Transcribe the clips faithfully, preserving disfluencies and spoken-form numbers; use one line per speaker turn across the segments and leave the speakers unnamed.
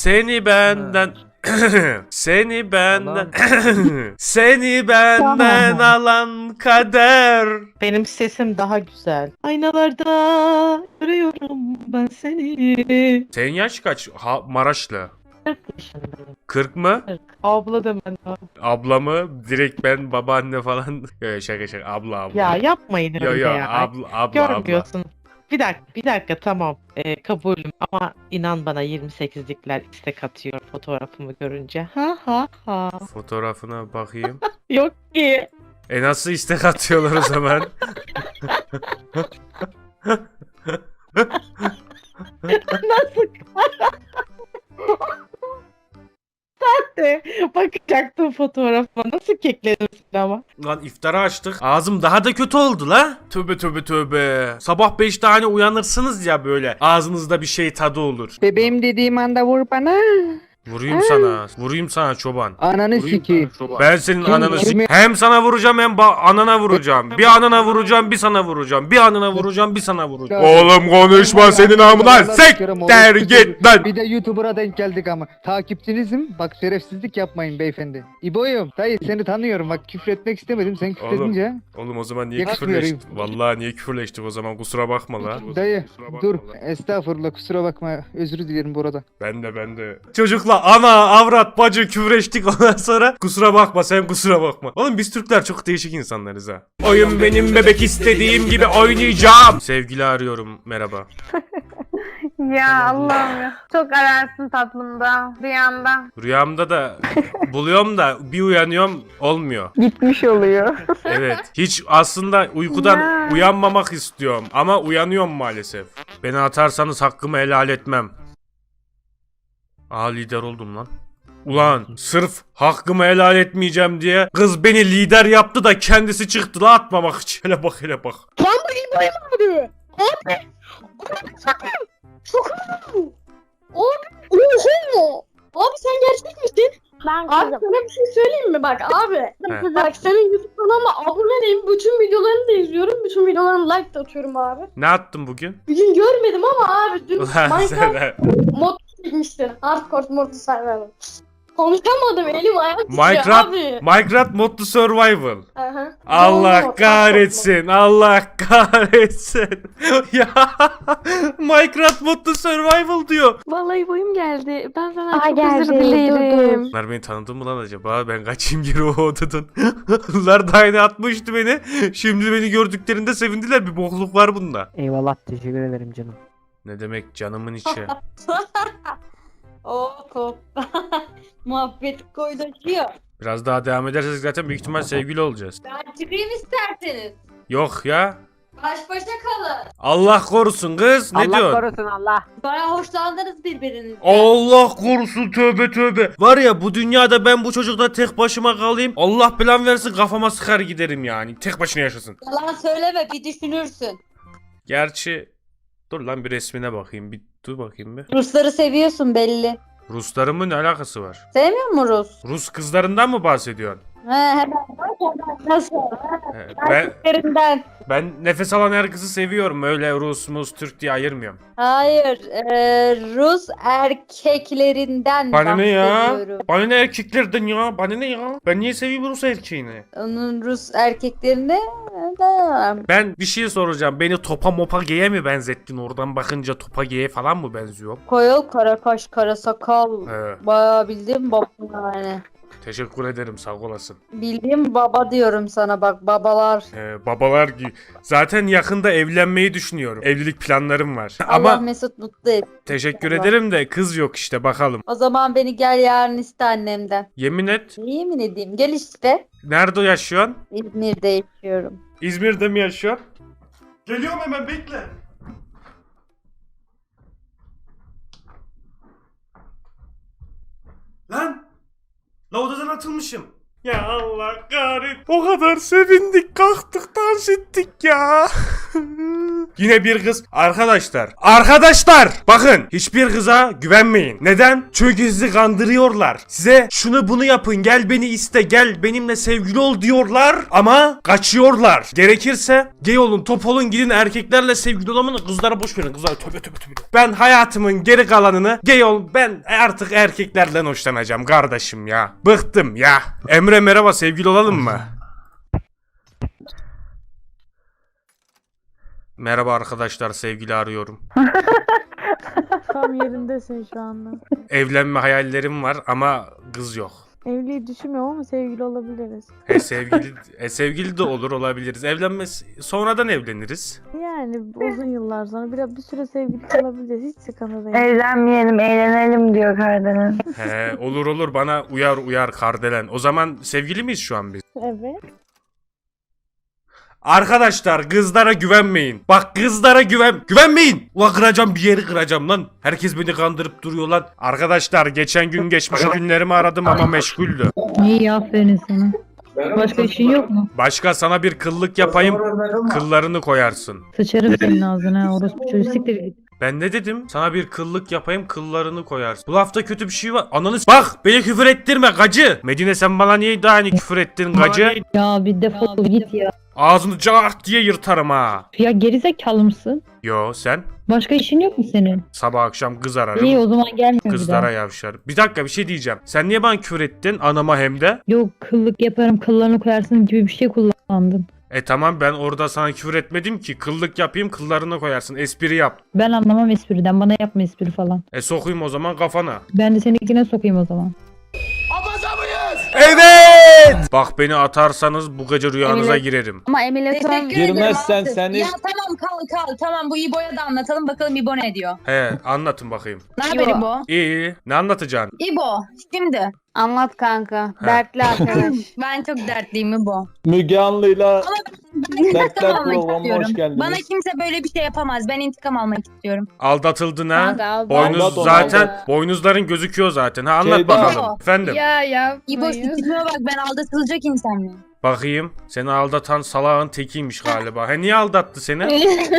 Seni benden seni benden seni benden alan kader.
Benim sesim daha güzel. Aynalarda görüyorum ben seni.
Senin yaş kaç? Ha, Maraşlı.
kırk yaşındayım.
kırk mı?
kırk. Abla da ben.
Abla mı? Direkt ben babaanne falan. Yo, şaka şaka abla abla.
Ya yapmayın
Yo
öyle
yo
ya.
abla abla abla.
Görmüyorsun. Bir dakika, bir dakika tamam. Ee, kabulüm ama inan bana yirmi sekizlikler istek atıyor fotoğrafımı görünce. Ha ha ha.
Fotoğrafına bakayım.
Yok ki.
E nasıl istek atıyorlar o zaman?
Nasıl? Sen de bakacaktım fotoğrafıma. Nasıl keklenirsin ama?
Lan iftara açtık. Ağzım daha da kötü oldu la. Tövbe tövbe tövbe. Sabah beşte hani uyanırsınız ya böyle. Ağzınızda bir şey tadı olur.
Bebeğim dediğim anda vur bana.
Vurayım sana. Vurayım sana çoban.
Ananı siki.
Ben senin
Kim-
ananı
kimi-
sik- Hem sana vuracağım hem ba- anana vuracağım. Bir anana vuracağım bir sana vuracağım. Bir anana vuracağım bir sana vuracağım. Oğlum konuşma senin amına. Sekter git lan.
Bir de YouTuber'a denk geldik ama. Takipçinizim. Bak şerefsizlik yapmayın beyefendi. İbo'yum. Dayı seni tanıyorum. Bak küfür etmek istemedim. Sen küfür
Oğlum.
edince.
Oğlum o zaman niye
Yakışmıyor.
küfürleştik? Vallahi niye küfürleştik o zaman kusura bakma la.
Dayı dur. Estağfurullah kusura bakma. Özür dilerim burada.
Ben de ben de. Çocukla ana avrat bacı küfreştik ondan sonra kusura bakma sen kusura bakma. Oğlum biz Türkler çok değişik insanlarız ha. Oyun benim bebek istediğim gibi oynayacağım. Sevgili arıyorum merhaba.
Ya Allah'ım ya. Çok ararsın tatlımda, rüyamda.
Rüyamda da buluyorum da bir uyanıyorum olmuyor.
Gitmiş oluyor.
Evet. Hiç aslında uykudan
Ya.
uyanmamak istiyorum ama uyanıyorum maalesef. Beni atarsanız hakkımı helal etmem. Aa lider oldum lan. Ulan sırf hakkımı helal etmeyeceğim diye kız beni lider yaptı da kendisi çıktı la atmamak için. Hele bak hele bak.
Lan bu İbrahim abi. Abi. Abi sakın. Sakın. Abi. Oha. Abi sen gerçek misin?
Ben
Abi
kızım.
sana bir şey söyleyeyim mi? Bak abi.
He.
Bak senin YouTube kanalına aboneyim. Bütün videolarını da izliyorum. Bütün videolarına like de atıyorum abi.
Ne attın bugün?
Bugün görmedim ama abi dün
Ulan
Minecraft
sen-
mod çekmiştin. Hardcore modu serverden. Konuşamadım elim ayağım titriyor
Minecraft,
abi.
Minecraft Modlu Survival.
Aha.
Allah
Doğru,
kahretsin, Allah kahretsin. Ya Minecraft Modlu Survival diyor.
Vallahi boyum geldi. Ben sana
Aa,
çok
geldi,
özür
dur,
dilerim.
Bunlar beni tanıdı mı lan acaba? Ben kaçayım geri o odadan. Bunlar da aynı atmıştı beni. Şimdi beni gördüklerinde sevindiler. Bir bokluk var bunda.
Eyvallah teşekkür ederim canım.
Ne demek canımın içi.
Oh kop. Muhabbet koydaşıyor.
Biraz daha devam edersek zaten büyük ihtimal sevgili olacağız.
Ben çıkayım isterseniz.
Yok ya.
Baş başa kalın.
Allah korusun kız. Ne
Allah
diyorsun?
korusun Allah.
Baya hoşlandınız birbirinizden.
Allah korusun tövbe tövbe. Var ya bu dünyada ben bu çocukla tek başıma kalayım. Allah plan versin kafama sıkar giderim yani. Tek başına yaşasın.
Yalan söyleme bir düşünürsün.
Gerçi dur lan bir resmine bakayım. Bir dur bakayım bir.
Rusları seviyorsun belli.
Ruslarımın ne alakası var?
Sevmiyor musun Rus?
Rus kızlarından mı bahsediyorsun?
He hemen. Nasıl?
He, Ben,
Erkeklerinden.
ben nefes alan herkesi seviyorum. Öyle Rus, Mus, Türk diye ayırmıyorum.
Hayır. eee, Rus erkeklerinden
Bana ne ya?
bahsediyorum.
Bana ne erkeklerden ya? Bana ne ya? Ben niye seveyim Rus erkeğini?
Onun Rus erkeklerine de
Ben bir şey soracağım. Beni topa mopa geye mi benzettin? Oradan bakınca topa geye falan mı benziyor?
koyul, kara kaş, kara sakal.
He.
Bayağı bildiğim baba yani.
Teşekkür ederim sağ olasın.
Bildiğim baba diyorum sana bak babalar.
Ee, babalar gibi. Zaten yakında evlenmeyi düşünüyorum. Evlilik planlarım var.
Allah
Ama
Mesut mutlu et.
teşekkür
Allah.
ederim de kız yok işte bakalım.
O zaman beni gel yarın iste annemden.
Yemin et.
Yemin edeyim gel işte.
Nerede yaşıyorsun?
İzmir'de yaşıyorum.
İzmir'de mi yaşıyorsun? Geliyorum hemen bekle. Lan! La odadan atılmışım. Ya Allah kahretsin. O kadar sevindik kalktık dans ettik ya. Yine bir kız. Arkadaşlar. Arkadaşlar. Bakın. Hiçbir kıza güvenmeyin. Neden? Çünkü sizi kandırıyorlar. Size şunu bunu yapın. Gel beni iste. Gel benimle sevgili ol diyorlar. Ama kaçıyorlar. Gerekirse gay olun, top olun, gidin erkeklerle sevgili olamayın. Kızlara boş verin. Kızlara tövbe tövbe tövbe. Ben hayatımın geri kalanını gay ol. Ben artık erkeklerden hoşlanacağım kardeşim ya. Bıktım ya. Emre merhaba, sevgili olalım mı? Merhaba arkadaşlar, sevgili arıyorum.
Tam yerindesin şu anda.
Evlenme hayallerim var ama kız yok.
Evliliği düşünmüyorum ama sevgili olabiliriz.
E sevgili e sevgili de olur, olabiliriz. Evlenmez, sonradan evleniriz.
Yani uzun yıllar sonra biraz bir süre sevgili kalabiliriz. Hiç sıkıntı değil.
Evlenmeyelim, eğlenelim diyor Kardelen.
He, olur olur, bana uyar uyar Kardelen. O zaman sevgili miyiz şu an biz?
Evet.
Arkadaşlar kızlara güvenmeyin. Bak kızlara güven güvenmeyin. Ulan kıracağım, bir yeri kıracağım lan. Herkes beni kandırıp duruyor lan. Arkadaşlar geçen gün geçmiş günlerimi aradım ama meşguldü.
İyi, aferin sana. Başka işin yok mu?
Başka sana bir kıllık yapayım. Kıllarını koyarsın.
Sıçarım senin ağzına, orospu çocuğu, siktir git.
Ben ne dedim? Sana bir kıllık yapayım, kıllarını koyarsın. Bu lafta kötü bir şey var. Ananı s- Bak beni küfür ettirme gacı. Medine sen bana niye daha hani küfür ettin gacı?
Ya bir defol git ya.
Ağzını cart diye yırtarım ha.
Ya gerizekalı mısın?
Yo sen?
Başka işin yok mu senin?
Sabah akşam kız
İyi,
ararım.
o zaman gelme bir
Kızlara
daha.
yavşar. Bir dakika, bir şey diyeceğim. Sen niye bana küfür ettin? Anama hem de.
Yok, kıllık yaparım, kıllarını koyarsın gibi bir şey kullandın.
E tamam, ben orada sana küfür etmedim ki. Kıllık yapayım, kıllarını koyarsın. Espri yap.
Ben anlamam espriden, bana yapma espri falan.
E sokayım o zaman kafana.
Ben de seninkine sokayım o zaman.
Evet! Bak beni atarsanız bu gece rüyanıza
Evet.
girerim.
Ama emülatör...
Teşekkür ederim.
Girmezsen
Altı.
seni-
Ya tamam kal kal. Tamam bu İbo'ya da anlatalım bakalım İbo ne diyor.
He, anlatın bakayım.
Ne haber
İbo.
İbo?
İyi iyi. Ne anlatacaksın?
İbo şimdi
Anlat kanka.
Ha.
Dertli arkadaş.
ben çok dertliyim İbo.
Müge Anlı'yla
Ben intikam
Dertler
almak
programına
istiyorum.
hoş geldiniz.
Bana kimse böyle bir şey yapamaz. Ben intikam almak istiyorum.
Aldatıldın ha?
Kanka, aldat.
Boynuz
Aldat onu,
zaten,
aldat.
boynuzların gözüküyor zaten. Ha anlat
Şeyda.
bakalım. Efendim.
ya ya.
İbo şu tipime bak ben aldatılacak insan mıyım?
Bakayım. Seni aldatan salağın tekiymiş galiba. He niye aldattı seni?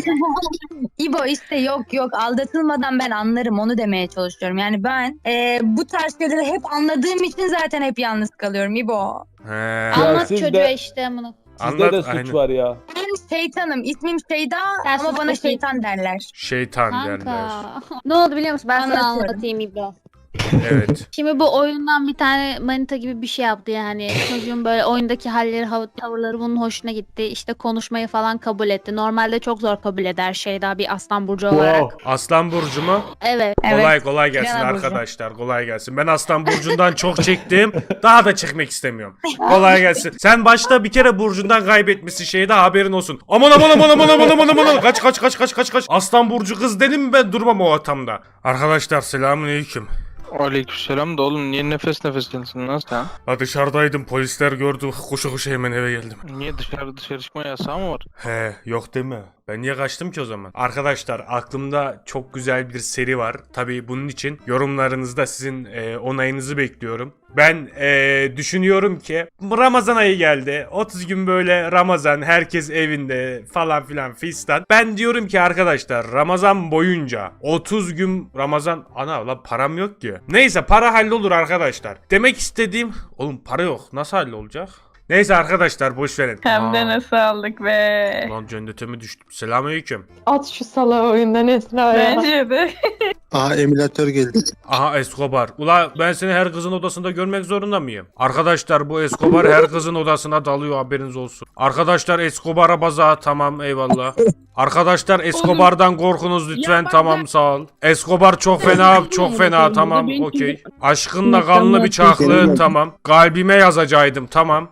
İbo işte yok yok aldatılmadan ben anlarım onu demeye çalışıyorum. Yani ben e, bu tarz şeyleri hep anladığım için zaten hep yalnız kalıyorum İbo.
He.
Anlat
siz
çocuğa
de-
işte bunu.
sizde
Anlat,
de suç
aynen.
var ya.
Ben şeytanım ismim Şeyda
Sen
ama
sus
bana
bakayım.
şeytan derler.
Şeytan derler.
Kanka. Ne oldu biliyor musun? Ben sana
Anlatıyorum.
anlatayım İbro.
Evet.
Şimdi bu oyundan bir tane manita gibi bir şey yaptı yani. Çocuğun böyle oyundaki halleri, hav- tavırları bunun hoşuna gitti. İşte konuşmayı falan kabul etti. Normalde çok zor kabul eder Şeyda bir aslan burcu olarak.
Wow.
Aslan burcu mu?
Evet.
Kolay kolay gelsin
Genel burcu.
arkadaşlar. Kolay gelsin. Ben Aslan burcundan çok çektim. Daha da çekmek istemiyorum. Kolay gelsin. Sen başta bir kere burcundan kaybetmişsin, şeyde haberin olsun. Aman aman aman aman aman aman aman aman. Kaç kaç kaç kaç kaç kaç. Aslan burcu kız dedim mi ben durmam o ortamda. Arkadaşlar selamünaleyküm.
Aleykümselam da oğlum niye nefes nefesinsin lan sen?
Ha dışarıdaydım, polisler gördü, koşu koşu hemen eve geldim.
Niye dışarı dışarı çıkma yasağı mı var?
He yok deme. Ben niye kaçtım ki o zaman? Arkadaşlar aklımda çok güzel bir seri var. Tabii bunun için yorumlarınızda sizin e, onayınızı bekliyorum. Ben e, düşünüyorum ki Ramazan ayı geldi. otuz gün böyle Ramazan, herkes evinde falan filan fistan. Ben diyorum ki arkadaşlar Ramazan boyunca otuz gün Ramazan, ana la param yok ki. Neyse para hallolur arkadaşlar. Demek istediğim, oğlum para yok, nasıl hallolacak? Neyse arkadaşlar boş verin.
Hem de
Aa,
nasıl aldık be.
Lan cennete mi düştüm? Selamünaleyküm.
At şu salağı oyundan Esra ya.
Bence de.
Aha emülatör geldi.
Aha Escobar. Ula ben seni her kızın odasında görmek zorunda mıyım? Arkadaşlar bu Escobar her kızın odasına dalıyor, haberiniz olsun. Arkadaşlar Escobar'a baza, tamam eyvallah. Arkadaşlar Escobar'dan korkunuz lütfen, tamam sağ ol. Escobar çok fena, çok fena, tamam okey. Aşkınla kanlı bir çaklı, tamam. Kalbime yazacaktım, tamam.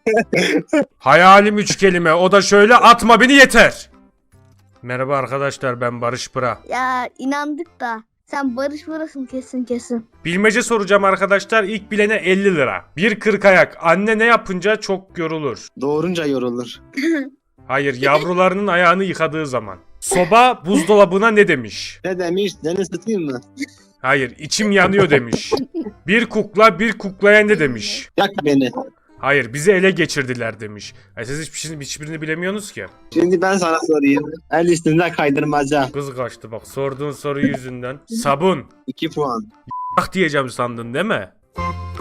Hayalim üç kelime, o da şöyle, atma beni yeter. Merhaba arkadaşlar, ben Barış Pıra.
Ya inandık da. Sen Barış burasın kesin kesin.
Bilmece soracağım arkadaşlar, ilk bilene elli lira. Bir kırk ayak, anne ne yapınca çok yorulur?
Doğurunca yorulur.
Hayır, yavrularının ayağını yıkadığı zaman. Soba buzdolabına ne demiş?
Ne demiş? Seni ısıtayım mı?
Hayır, içim yanıyor demiş. Bir kukla bir kuklaya ne demiş?
Yak beni.
Hayır, bizi ele geçirdiler demiş. E siz hiçbir şey, hiçbirini bilemiyorsunuz ki.
Şimdi ben sana sorayım. El üstünde kaydırmaca.
Kız kaçtı bak sorduğun soru yüzünden. Sabun.
iki puan.
Ah diyeceğim sandın değil mi?